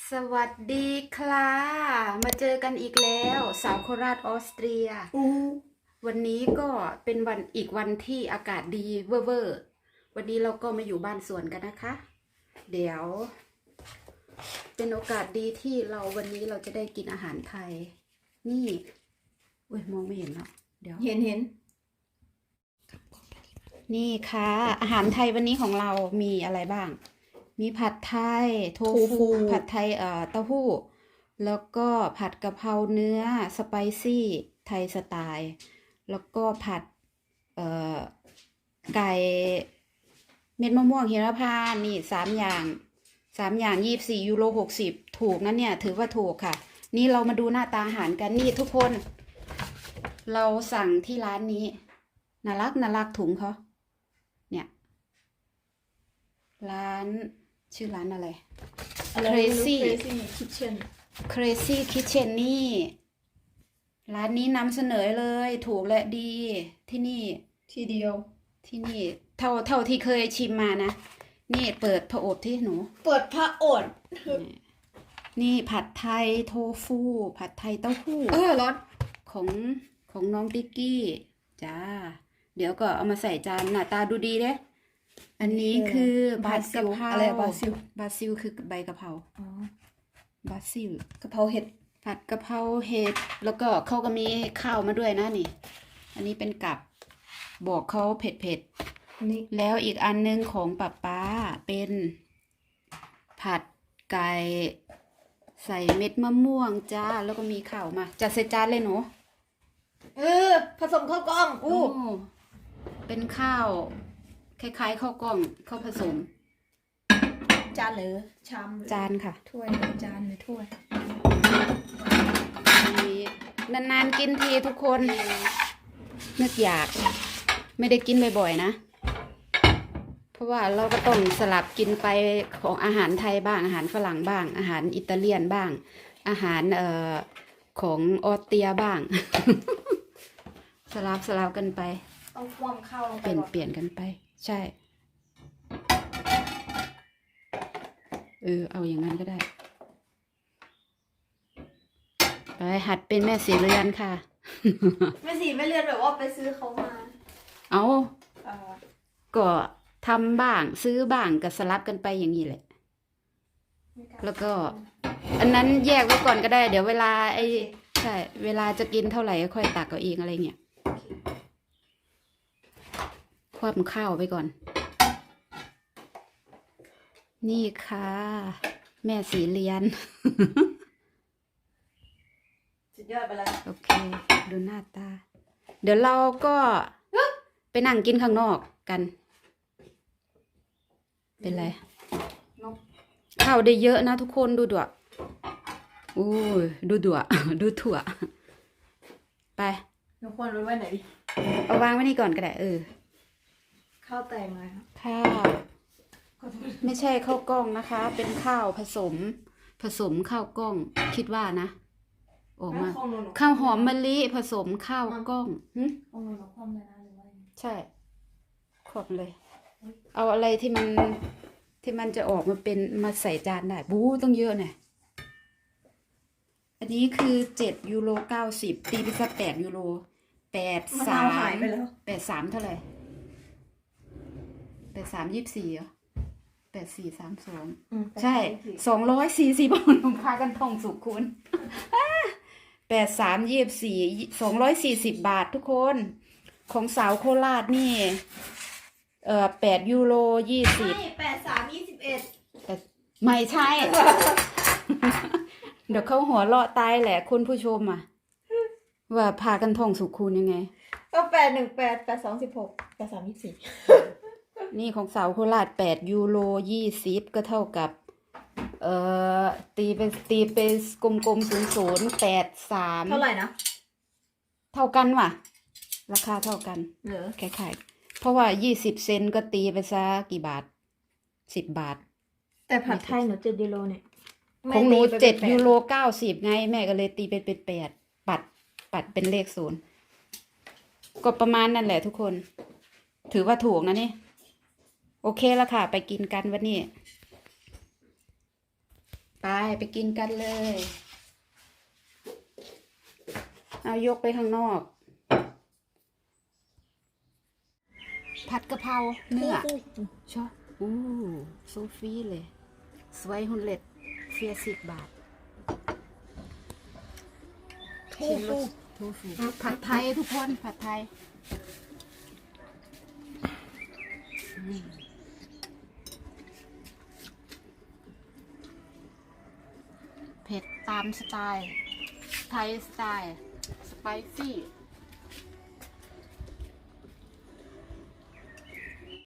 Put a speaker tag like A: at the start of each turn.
A: สวัสดีค่ะมาเจอกันอีกแล้วสาวโคราชออสเตรียวันนี้ก็เป็นวันอีกวันที่อากาศดีเวอร์วันนี้เราก็มาอยู่บ้านสวนกันนะคะ เดี๋ยวเป็นโอกาสดีที่วันนี้เราจะได้กินอาหารไทย นี่เว้ยมองไม่เห็นแล้วเดี๋ยว
B: เห็น
A: นี่ค่ะ อาหารไทยวันนี้ของเรามีอะไรบ้าง มีผัดไทยโทฟูผัดไทยเต้าหู้แล้วก็ผัดกะเพราเนื้อสไปซี่ไทยสไตล์ แล้วก็ผัดไก่เม็ดมะม่วงหิมพานต์นี่3 อย่าง24 ยูโร 60ถูกนะเนี่ยถือว่าถูกค่ะ นี่เรามาดูหน้าตาอาหารกันนี่ทุกคน เราสั่งที่ร้านนี้น่ารักถุงเขาเนี่ยร้านชื่อร้านอะไร Crazy
B: Kitchen
A: Crazy Kitchen นี่ร้านนี้นำเสนอเลยถูกและดีที่นี่
B: ทีเดียว
A: ที่นี่เท่าที่เคยชิมมานะนี่เปิดผอบที่หนู
B: เปิดพระโอษฐ์
A: นี่ผัดไทยโทฟูผัดไทยเต้าหู้
B: ร้อน
A: ของน้องติ๊กกี้จ้าเดี๋ยวก็เอามาใส่จานหน้าตาดูดีเด้อันนี้คือผัดกะเพรา
B: อะไรบาซิล
A: คือใบกะเพราบาซิล
B: กะเพราเห็ด
A: ผัดกะเพราเห็ดแล้วก็เขาก็มีข้าวมาด้วยนะนี่อันนี้เป็นกับบอกเขาเผ็ด
B: นี่
A: แล้วอีกอันนึงของป้าเป็นผัดไก่ใส่เม็ดมะม่วงจ้าแล้วก็มีข้าวมาจัดใส่จานเลยหนู
B: ผสมข้าวกล้อง
A: เป็นข้าวคล้ายๆข้าวกล้องข้าวผสม
B: จานหรือชาม
A: จานค่ะ
B: ถ้วยจานหรือถ้วย
A: นานๆกินทีทุกคนนึกอยากไม่ได้กินบ่อยๆนะเพราะว่าเราก็ต้องสลับกินไปของอาหารไทยบ้างอาหารฝรั่งบ้างอาหารอิตาเลียนบ้างอาหารของออสเตรียบ้าง สลับกันไป
B: เอาความข้าวลงไป
A: เปลี่ยนกันไปใช่เอาอย่างนั้นก็ได้ไปหัดเป็นแม่สีเรือนค่ะ
B: แม่สีไม่เรียนแบบว่าไปซื้อเขามา
A: ก็ทำบ้างซื้อบ้างก็สลับกันไปอย่างนี้แหละแล้วก็อันนั้นแยกไว้ก่อนก็ได้เดี๋ยวเวลาใช่เวลาจะกินเท่าไหร่ก็ค่อยตักเอาเองอะไรเงี้ยคว่ำข้าวไปก่อนนี่ค่ะแม่สีเรียน
B: สุดยอดไปแล้ว
A: โอเคดูหน้าตาเดี๋ยวเราก็ไปนั่งกินข้างนอกกันเป็นไรข้าวได้เยอะนะทุกคนดูด่วดูด่วดูถั่วไป
B: น้องควรรู้ไว้ไหนดิ
A: เอาวางไว้นี่ก่อนก็ได้
B: ข้าวแตงอะไรครับ
A: ข้าวไม่ใช่ข้าวกล้องนะคะ เป็นข้าวผสมข้าวกล้องคิดว่านะออกมาข้าวหอมมะลิผสมข้าวกล้องใช่ขอบเลยเอาอะไรที่มันจะออกมาเป็นมาใส่จานได้ต้องเยอะหน่อยอันนี้คือ7 ยูโร 90ตีไปสัก8 ยูโร83เท่าไหร่83 24เหรอ84 32ใช่240 บาทพากันท่องสุขคุณ83 24 240 บาททุกคนของสาวโคราชนี่8 ยูโร 20
B: 83 21
A: ไม่ใช่ เดี๋ยวเขาหัวเราะตายแหละคุณผู้ชมว่าพากันท่องสุขคุณยังไง
B: ก็818 8216 83 24
A: นี่ของสาวโคราช8 ยูโร 20ก็เท่ากับตีไปกลมๆ00 83
B: เท่าไหร่นะ
A: เท่ากันว่ะราคาเท่ากันคล้ายๆเพราะว่า20 เซนต์ก็ตีไปซะกี่บาท10 บาท
B: แต่ผัดไทยหนู7 ยูโรเนี่ย
A: ของหนู7 ยูโร 90ไงแม่ก็เลยตีเป็น8ปัดเป็นเลข0ก็ประมาณนั่นแหละทุกคนถือว่าถูกนะนี่โอเคแล้วค่ะไปกินกันวันนี้ไปกินกันเลย เอายกไปข้างนอก ผัดกะเพราเนื้อชอบโซฟีเลยสวยหุ่นเล็ด40 บาทชิมรสทูฟูผัดไทยทุกคนผัดไทยเผ็ดตามสไตล์ ไทยสไตล์ สไปซี่